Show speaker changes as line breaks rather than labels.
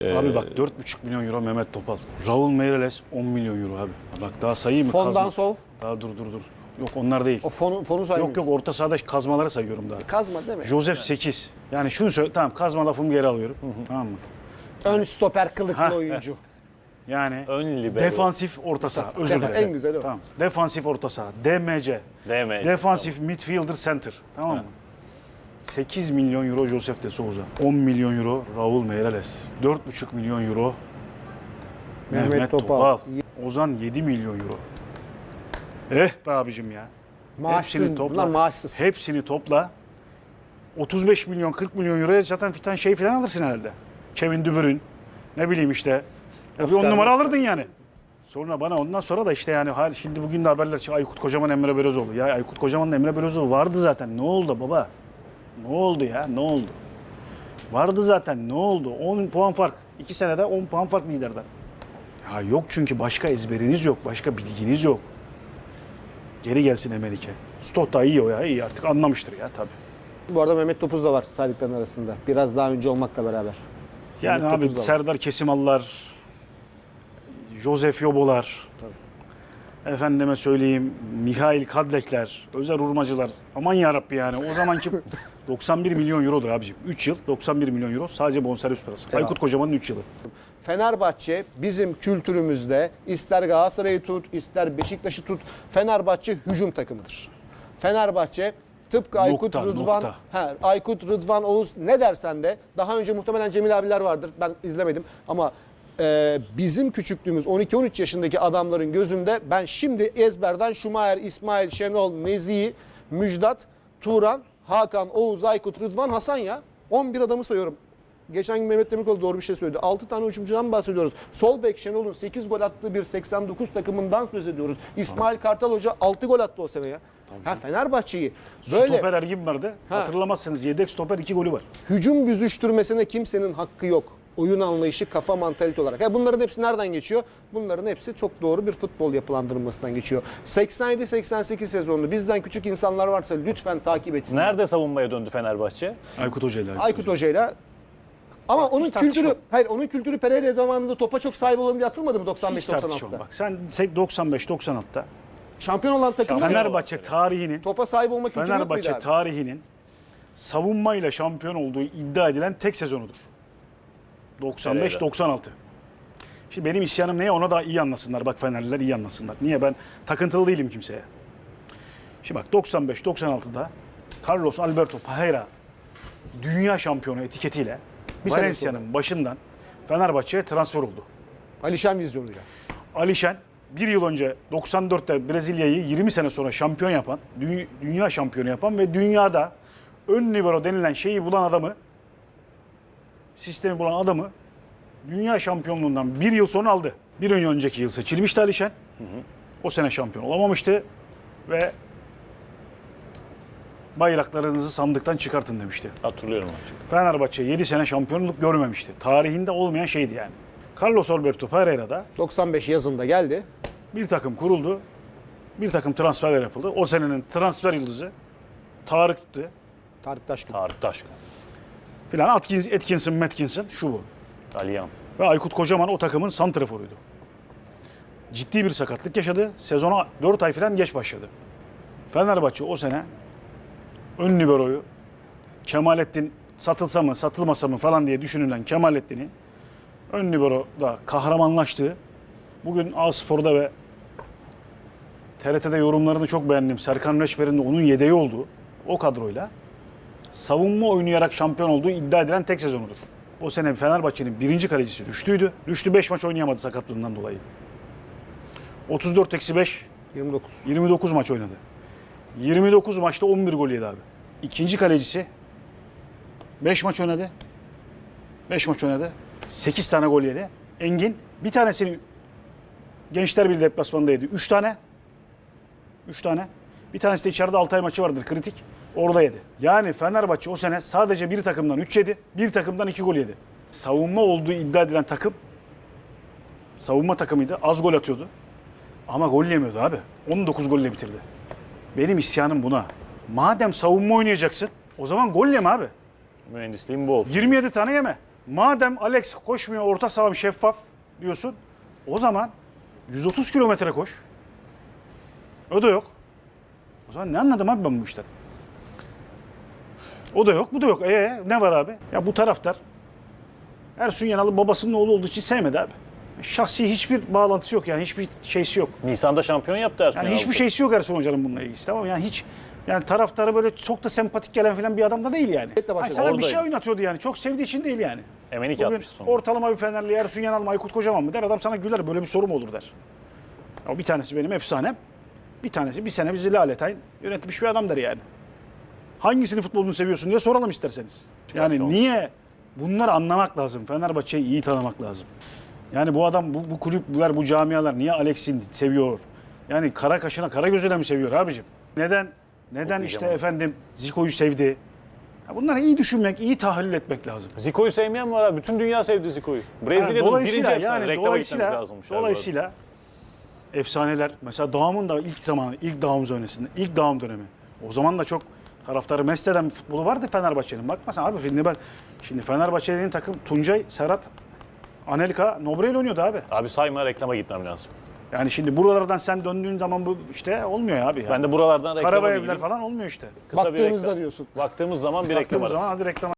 Abi bak 4,5 milyon euro Mehmet Topal. Raul Meireles 10 milyon euro abi. Bak daha sayayım mı?
Fondan Sov.
Daha dur. Yok onlar değil.
O fonu saymıyorsun.
Yok orta sahada kazmaları sayıyorum daha.
Kazma değil mi?
Joseph 8. Yani şunu söyle, tamam kazma lafımı geri alıyorum. Tamam mı?
Ön stoper kılıklı oyuncu.
Yani
Ön libero.
defansif orta saha. Özür dilerim.
En güzeli o.
Tamam. Defansif orta saha. DMC. Defansif midfielder center. Tamam mı? 8 milyon euro Joseph de Souza. 10 milyon euro Raul Meireles. 4,5 milyon euro Mehmet Topal. Ozan 7 milyon euro. Be abicim ya.
Maaşsız, bunlar maaşsız.
Hepsini topla. 35 milyon 40 milyon euroya zaten fitan şey falan alırsın herhalde. Kevin De Bruyne. Ne bileyim işte. Ya bir 10 numara alırdın yani. Sonra bana ondan sonra da işte yani şimdi bugün de haberler çıktı. Aykut Kocaman, Emre Belözoğlu. Ya Aykut Kocaman'la Emre Belözoğlu vardı zaten. Ne oldu baba? Ne oldu ya? Ne oldu? Vardı zaten. Ne oldu? 10 puan fark. 2 senede 10 puan fark liderden. Ya yok çünkü başka ezberiniz yok. Başka bilginiz yok. Geri gelsin Emenike. Stott da iyi o ya. İyi artık anlamıştır ya tabii.
Bu arada Mehmet Topuz da var saydıkların arasında. Biraz daha önce olmakla beraber.
Yani
Mehmet
abi
Topuz da var.
Serdar Kesimallar, Josef Yobolar, efendime söyleyeyim Mihail Kadlekler, Özer Urmacılar. Aman yarabbi yani o zamanki 91 milyon eurodur abicim. 3 yıl 91 milyon euro sadece bonservis parası.
Devam.
Aykut Kocaman'ın 3 yılı.
Fenerbahçe bizim kültürümüzde ister Galatasaray'ı tut, ister Beşiktaş'ı tut, Fenerbahçe hücum takımıdır. Fenerbahçe tıpkı Aykut Rıdvan, Aykut Rıdvan Oğuz ne dersen de daha önce muhtemelen Cemil abiler vardır. Ben izlemedim ama bizim küçüklüğümüz 12-13 yaşındaki adamların gözünde ben şimdi ezberden Şumayer, İsmail, Şenol, Nezih, Müjdat, Turan, Hakan, Oğuz, Aykut, Rıdvan, Hasan ya. 11 adamı sayıyorum. Geçen gün Mehmet Demirkol doğru bir şey söyledi. 6 tane hücumcudan bahsediyoruz. Sol bek Şenol'un 8 gol attığı bir 89 takımından söz ediyoruz. İsmail Kartal Hoca 6 gol attı o sene ya. Fenerbahçe'yi böyle
Stoper Ergin vardı. Hatırlamazsınız yedek stoper 2 golü var.
hücum büzüştürmesine kimsenin hakkı yok. Oyun anlayışı, kafa, mantalite olarak. Bunların hepsi nereden geçiyor? Bunların hepsi çok doğru bir futbol yapılandırılmasından geçiyor. 87-88 sezonunu bizden küçük insanlar varsa lütfen takip etsin.
Nerede savunmaya döndü Fenerbahçe?
Aykut Hoca'yla.
Aykut Hoca'yla. Ama onun kültürü, onun kültürü Pereira zamanında topa çok sahip olan diye atılmadı mı 95-96'da?
Bak sen 95-96'da
Şampiyon olan takım
Fenerbahçe tarihinin
topa sahip olma kültürü yok muydu
Fenerbahçe
abi?
tarihinin savunmayla şampiyon olduğu iddia edilen tek sezonudur. 95-96. Şimdi benim isyanım neye ona da iyi anlasınlar. Bak Fenerliler iyi anlasınlar. Niye? Ben takıntılı değilim kimseye. Şimdi bak 95-96'da Carlos Alberto Parreira dünya şampiyonu etiketiyle Valencia'nın başından Fenerbahçe'ye transfer oldu.
Alişan vizyonuyla.
Alişen bir yıl önce 94'te Brezilya'yı 20 sene sonra şampiyon yapan, dünya şampiyonu yapan ve dünyada ön libero denilen şeyi bulan adamı, sistemi bulan adamı dünya şampiyonluğundan bir yıl sonra aldı. Bir önceki yıl seçilmişti Alişen. O sene şampiyon olamamıştı ve bayraklarınızı sandıktan çıkartın demişti.
Hatırlıyorum.
Fenerbahçe 7 sene şampiyonluk görmemişti. Tarihinde olmayan şeydi yani. Carlos Alberto Parreira'da
95 yazında geldi.
bir takım kuruldu. Bir takım transferler yapıldı. O senenin transfer yıldızı Tarık'tı.
Tarık Taşkın.
Tarık Taşkın.
Filan Atkinson, Metkinson şu bu.
Aliyan.
Ve Aykut Kocaman o takımın santraforuydu. Ciddi bir sakatlık yaşadı. Sezona 4 ay falan geç başladı. Fenerbahçe o sene ön liberoyu Kemalettin satılsa mı satılmasa mı falan diye düşünülen Kemalettin'i ön liberoda kahramanlaştı. Bugün A-Spor'da ve TRT'de yorumlarını çok beğendim. Serkan Reçber'in de onun yedeği olduğu o kadroyla savunma oynayarak şampiyon olduğu iddia edilen tek sezonudur. O sene Fenerbahçe'nin birinci kalecisi Rüştü'ydü. Rüştü 5 maç oynayamadı sakatlığından dolayı. 34-5 29 maç oynadı. 29 maçta 11 gol yedi abi. İkinci kalecisi 5 maç oynadı. 5 maç oynadı. 8 tane gol yedi. Engin bir tanesini Gençler Birliği deplasmanında yedi. 3 tane. 3 tane. Bir tanesi de içeride Altay maçı vardır kritik. Orada yedi. Yani Fenerbahçe o sene sadece bir takımdan 3 yedi. Bir takımdan 2 gol yedi. Savunma olduğu iddia edilen takım savunma takımıydı. Az gol atıyordu. Ama gol yemiyordu abi. 19 golle bitirdi. Benim isyanım buna. Madem savunma oynayacaksın o zaman gol yeme abi.
Mühendisliğin bu olsun.
27 tane yeme. Madem Alex koşmuyor, orta saham şeffaf diyorsun. O zaman 130 kilometre koş. O da yok. O zaman ne anladım abi ben bu işten? O da yok, bu da yok. Ne var abi? Ya bu taraftar Ersun Yanal'ı babasının oğlu olduğu için sevmedi abi. Şahsi hiçbir bağlantısı yok yani, hiçbir şeysi yok.
Nisan'da şampiyon yaptı Ersun
Yani
Yanal.
hiçbir şeysi yok Ersun Hoca'nın bununla ilgisi, tamam mı? Yani hiç, yani taraftarı böyle çok da sempatik gelen falan bir adam da değil yani.
başladı.
Ay sana bir
Oradayım.
şey oynatıyordu yani. Çok sevdiği için değil yani.
Emenike
Bugün
atmış sonra.
ortalama bir Fenerli Ersun Yanal mı Aykut Kocaman mı der, adam sana güler, böyle bir soru mu olur der. O bir tanesi benim efsanem. Bir tanesi bir sene bizi Lalettayn yönetmiş bir adam der yani. Hangisini futbolunu seviyorsun diye soralım isterseniz. Yani
Çok.
niye? Bunları anlamak lazım. Fenerbahçe'yi iyi tanımak lazım. Yani bu adam, bu kulüpler, bu camialar niye Alex'i seviyor? Yani kara kaşına, kara gözüne mi seviyor abicim? Neden işte
Okuyacağım.
efendim Zico'yu sevdi? Ya bunları iyi düşünmek, iyi tahlil etmek lazım.
Zico'yu sevmeyen var abi. Bütün dünya sevdi Zico'yu. Brezilya'nın birinci efsane. Reklama gitmemiz lazımmış.
Dolayısıyla efsaneler, mesela Dağım'ın da ilk zamanı, ilk Dağım döneminde, ilk Dağım dönemi. O zaman da çok taraftarı mest eden bir futbolu vardı Fenerbahçe'nin. Bakma sen abi, şimdi Fenerbahçe'nin takım Tuncay, Serhat, Anelka, Nobrel oynuyordu abi.
Abi sayma, reklama gitmem lazım.
Yani şimdi buralardan sen döndüğün zaman bu işte olmuyor abi. Yani.
Ben de buralardan reklama
Karabayevler
gideyim.
falan olmuyor işte.
Kısa bir
Baktığınızda
reklam.
diyorsun.
Baktığımız zaman bir reklam
Baktığımız
arası.
zaman hadi reklam